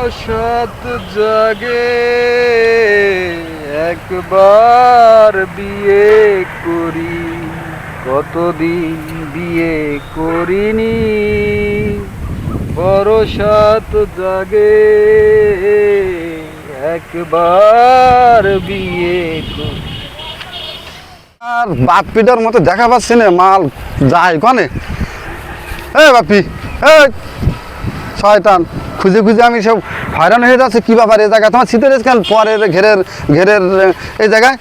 বরসাত জাগে একবার বিয়ে করি, কতদিন বিয়ে করিনি। বরসাত জাগে একবার বিয়ে করি। আর বাপিটার মতো দেখা পাচ্ছি না, মাল যায় কনে। বাপি শয়তান, খুঁজে খুঁজে আমি সব হয়রান হয়ে যাচ্ছে। কী ব্যাপার এই জায়গায় তোমার শীতের কেন পরের ঘেরের ঘেরের এই জায়গায়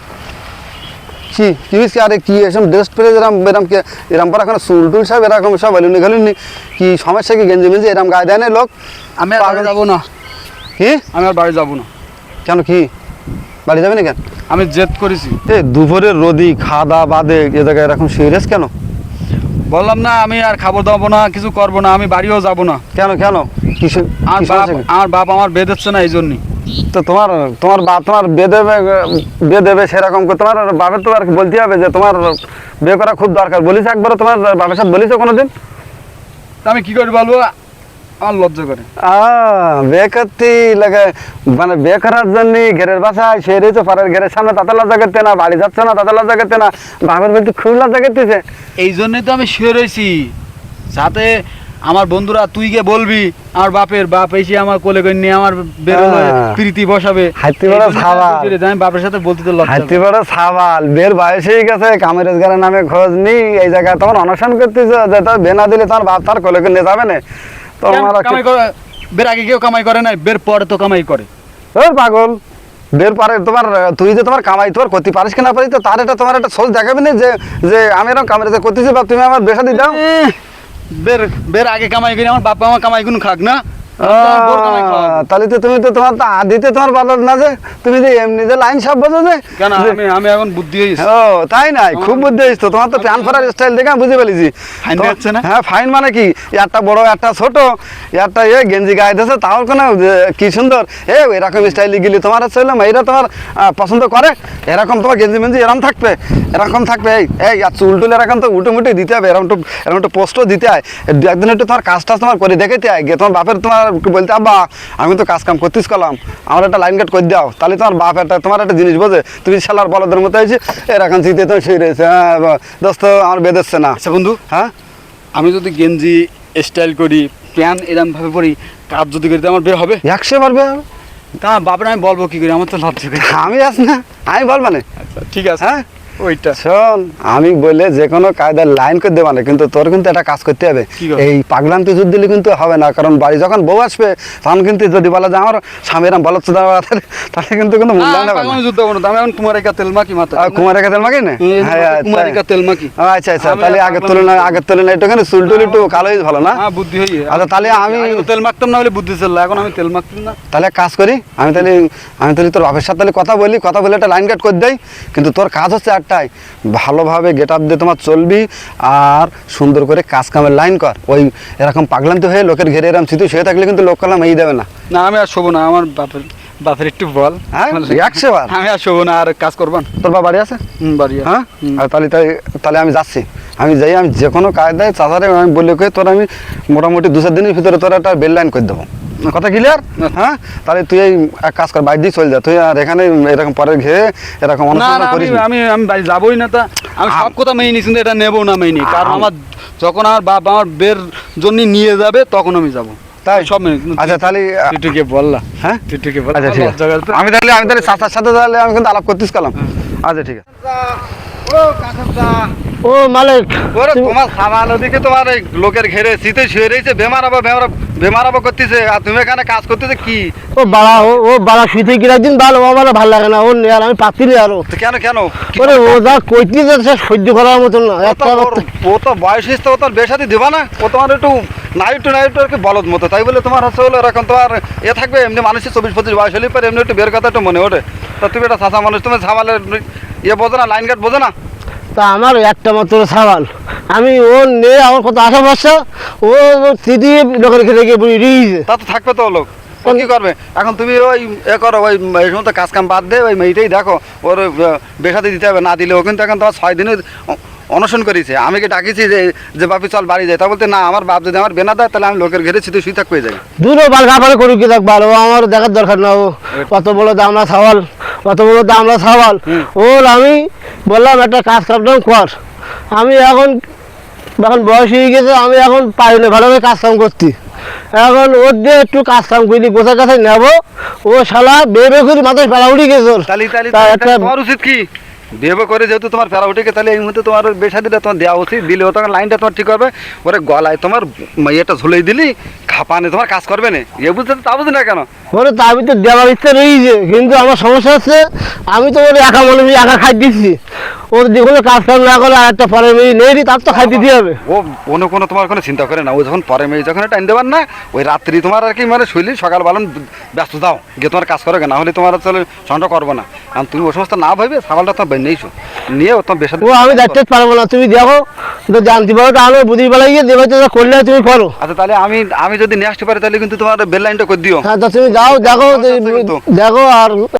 কি কি হয়েছে? আরে কি এসব ড্রেস পরে এরম পর এখন চুল টুল সব এরকম সব এলুনি ঘালুনি, কি সমস্যা? কি গেঞ্জি মেঞ্জি এরকম গায়ে দেয় না লোক? আমি আর বাড়ি যাবো না। কি? আমি আর বাড়ি যাবো না। কেন? কি বাড়ি যাবে না কেন? আমি জেদ করেছি। দুপুরের রোদি খাওয়া দাওয়া বাদে এ জায়গায় এরকম সিরিয়াস কেন? বললাম না আমি আর খাবার দাবো না, কিছু করবো না, আমি বাড়িও যাবো না। কেন কেন? কিছু আমার বাপ আমার বেদ হচ্ছে না, এই জন্যই। তো তোমার বাপ তোমার বিয়ে দেবে সেরকম করে তোমার বাপের তো আর বলতে হবে যে তোমার বিয়ে করা খুব দরকার। বলিস একবার তোমার বাপের সাথে বলিস কোনোদিন? আমি কি করে বলবো, আমার লজ্জা করে। বিয়ে করতে লাগে, মানে বিয়ে করার জন্য ঘেরের বাসায় সে রয়েছে পরের ঘেরের সামনে, তাতে লজ্জা করতে না? বাড়ি যাচ্ছে না তাতে লজ্জা করতে না? বাপের বলতে খুব লজ্জা করতেছে। এই জন্যই তো আমি শুয়ে রয়েছি, যাতে আমার বন্ধুরা তুই গিয়ে বলবি আমার বাপ এসে আমার কোলে করে নিয়ে আমার বেরোলে প্রীতি বসাবে। হাতি বড় সাবাল, আমি বাপের সাথে বলতে তো লজ্জা। হাতি বড় সাবাল, বের বয়স হয়ে গেছে, কামের রোজগারের নামে খোঁজ নি। এই জায়গায় তোমার অনশন করতেছে যে তোর বে না দিলে তোমার বাপ তার কোলে করে নিয়ে যাবে না। কামাই করে বের আগে কেউ কামাই করে না, বের পরে তো কামাই করে। পাগল, বের পরে তোমার তুই যে তোমার কামাই তোমার করতে পারিস কিনা পারিস, তো তার এটা তোমার একটা সোচ দেখাবে না যে আমি এরকম কামের করতেছি বা তুমি আমার বেসা দিতাম। বের আগে কামাই করি, আমার বাবা আমার কামাই গুলো খাক না। তাহলে তো তুমি তো তোমার তো আদিতে তোমার ভালো না যে তুমি যে এমনি যে লাইন সব বোঝো যে কেন? আমি এখন বুদ্ধি হয়েছি। ও তাই নাই, খুব বুদ্ধি হয়েছে তোমার তো। প্যান ফরার স্টাইল দেখে আমি বুঝে ফেলেছি। হ্যাঁ ফাইন মানে কি, একটা বড় একটা ছোট, একটা গেঞ্জি গায়ে দিয়েছে, তাও কোনো কি সুন্দর এরকম স্টাইলে গেলে তোমার হচ্ছে মেয়েরা তোমার পছন্দ করে। এরকম তোমার গেঞ্জি মেঞ্জি এরকম থাকবে এই আর চুল টুল এরকম তো উঠে মুটে দিতে হবে, এরকম একটু পোস্টও দিতে হয়। একদিন একটু তোমার কাজটা তোমার করে দেখাতে হয় গিয়ে তোমার বাপের তোমার বলতে, আব্বা আমি তো কাজ কাম করতেস করলাম, আমার একটা লাইন কাট করে দাও। তাহলে তোমার বাপ তোমার একটা জিনিস বোঝে। তুমি শালার বলদের মতো হয়েছে এরকম চিন্তে তো শুয়ে রয়েছে। দোস্ত আমার বেঁধেছে না। আচ্ছা বন্ধু, হ্যাঁ আমি যদি গেঞ্জি স্টাইল করি, প্যান এরকম ভাবে পরি, কাজ যদি করি, আমার বের হবে? 100 পারবে। তা বাপরে আমি বলবো কি করি? আমার তো লজ্জা করে। আমি আস না, আমি বল মানে। আচ্ছা ঠিক আছে। হ্যাঁ ওইটা শোন, আমি বলে যে কোনো কায়দার লাইন করে দেবো না, কিন্তু তোর কিন্তু একটা কাজ করতে হবে। এই পাগলান্তি যুদ্ধ দিলে কিন্তু হবে না, কারণ বাড়ি যখন বউ আসবে তখন কিন্তু যদি বলা যে আমার স্বামীর বলো তাহলে কিন্তু কোনো মূল্যায়ন হবে না। যুদ্ধ করবো না, আমি এখন কুমারিকা তেল মাখি মাথা। কুমারিকা তেল মাখি না? কুমারিকা তেল মাখি। আচ্ছা আচ্ছা, তাহলে আগের তুলনায় একটুখানি চুল টুল একটু কালো হয়েছে, ভালো না? হ্যাঁ বুদ্ধি হয়ে। আচ্ছা তাহলে আমি তেল মাখতাম না হলে বুদ্ধি ছিল, এখন আমি তেল মাখতাম না। তাহলে কাজ করি, আমি তাহলে তোর বাপের সাথে তাহলে কথা বলে একটা লাইন কাট করে দেয়। কিন্তু তোর কাজ হচ্ছে একটাই, ভালোভাবে গেট আপ দিয়ে তোমার চলবি আর সুন্দর করে কাজ কামের লাইন কর। ওই এরকম পাগলান্তি হয়ে লোকের ঘেরে এরকম স্মৃতি শুয়ে থাকলে কিন্তু লোক কালাম এই দেবে না। না আমি আর শোবো না, আমার বাপের একটু বল। হ্যাঁ 100 বার আমি আর শোবো না, আর কাজ করবান। তোর বাবা বাড়ি আছে? বাড়ি। হ্যাঁ তাহলে আমি যাচ্ছি। আমি যে কোনো কায়দায় চাচারে আমি বলে তোর আমি মোটামুটি 2-4 দিনের ভিতরে তোর একটা বেল লাইন করে দেবো। কথা ক্লিয়ার? হ্যাঁ তাহলে তুই এই এক কাজ কর, বাইরে দিয়ে চলে যা তুই, আর এখানে এরকম পরের ঘেরে এরকম অনুষ্ঠান করিস। আমি বাড়ি যাবোই না। তা আমি সব কথা মেনে নিচ্ছি, এটা নেবো না মেনে, কারণ আমার যখন আমার বাপ আমার বের জন্য নিয়ে যাবে তখন আমি যাবো। তাই সব মেনে। আচ্ছা তাহলে তুই বললা। হ্যাঁ তুই বল। আচ্ছা ঠিক আছে, আমি তাহলে চাচার সাথে তাহলে আমি কিন্তু আলাপ করতেস কালাম। আচ্ছা ঠিক আছে। ও মালিক, তোমার সামান ওদিকে তোমার এই লোকের ঘেরে শীতে শুয়ে রয়েছে, বেমারাবো করতেছে, আর তুমি এখানে কাজ করতেছে কি? ও বাড়া শুইতে কি একদিন ভালো, আমার ভালো লাগে না। ও আর আমি পাচ্ছি না আরো। কেন? ওরে ও যা কইতে যাচ্ছে সহ্য করার মতন না। ও তো বয়স হয়েছে, ও তোর বেসাতি দিবা না? ও তোমার একটু নাইট আর কি বলদ মতো, তাই বলে তোমার হচ্ছে হলো এরকম তোমার থাকবে। এমনি মানুষের 24-25 বয়স হলে পরে এমনি একটু বের কথা একটু মনে ওঠে। তা তুমি একটা চাষা মানুষ, তুমি ঝামালের বোঝো না, লাইন গার্ড বোঝো না? তা আমার একটা মাত্র সাবাল, আমি ও নে আমার কত আশা ভরসা, ও স্মৃতি লোকের খেতে গিয়ে রিয়েছে। তা তো থাকবে তো লোক, ও কি করবে এখন? তুমি ওই করো, ওই এই সমস্ত কাজ কাম বাদ দে, ওই মেয়েটাই দেখো, ওর বেসাতে দিতে হবে। না দিলে ও কিন্তু এখন তোমার 6 দিনে অনশন করেছে, আমি কি ডাকিছি যে বাপি চল বাড়ি যায়, তা বলতে না আমার বাপ যদি আমার বেনা দেয় তাহলে আমি লোকের ঘেরে ছিটে শুই থাকতে যাই। দুটো বাল গাফারে করুক কি দেখ ভালো, আমার দেখার দরকার না। ও কত বড় দামড়া সাওয়াল, কত বড় দামড়া সাওয়াল। ওর আমি বললাম একটা কাজ কাম কর, আমি এখন বয়স হয়ে গেছে, আমি এখন পারি না ভালোভাবে কাজ কাম করতে। এখন ওর দিয়ে একটু কাজ কাম করি, গোছার কাছে নেবো। ও শালা বেবে করে মাথায় পেড়া উঠে গেছে ওর। তাহলে তা একটা তোমার উচিত কি বিয়ে করে যেহেতু তোমার ফেরা উঠে, তাহলে এই মুহূর্তে তোমার বেশাদিটা তোমার দেওয়া উচিত, দিলে ও তোমার লাইনটা তোমার ঠিক হবে। ওরে গলায় তোমার ইয়েটা ঝুলেই দিলি, খাপানে তোমার কাজ করবে না, এ বুঝতে তা বুঝি না কেন? ওরে তা আমি তো দেওয়ার ইচ্ছা রয়েছে, কিন্তু আমার সমস্যা হচ্ছে আমি তো ওর একা মনে করি একা খাই দিচ্ছি। ওর যে কোনো কাজ কাম না করে আর একটা পরে মেয়ে নেই, তার তো খাই দিতে হবে। ও কোনো তোমার কোনো চিন্তা করে না, ও যখন পরে মেয়ে যখন টাইম দেবার না, ওই রাত্রি তোমার আর কি মানে শৈলী সকাল বেলা ব্যস্ত দাও গিয়ে তোমার কাজ করো, না হলে তোমার আসলে সন্ধ্যা করবো না। কারণ তুমি ও সমস্ত না ভাবে ছাগলটা তোমার নিয়েছো নিয়ে ও তোমার বেশি। ও আমি দেখতে পারবো না, তুমি দেখো তো জানতে পারো, তাহলে বুঝি বেলায় গিয়ে দেবে, করলে তুমি করো। আচ্ছা তাহলে আমি যদি নিয়ে আসতে পারি তাহলে কিন্তু তোমার বেল লাইনটা করে দিও। হ্যাঁ, তা তুমি যাও দেখো, দেখো আর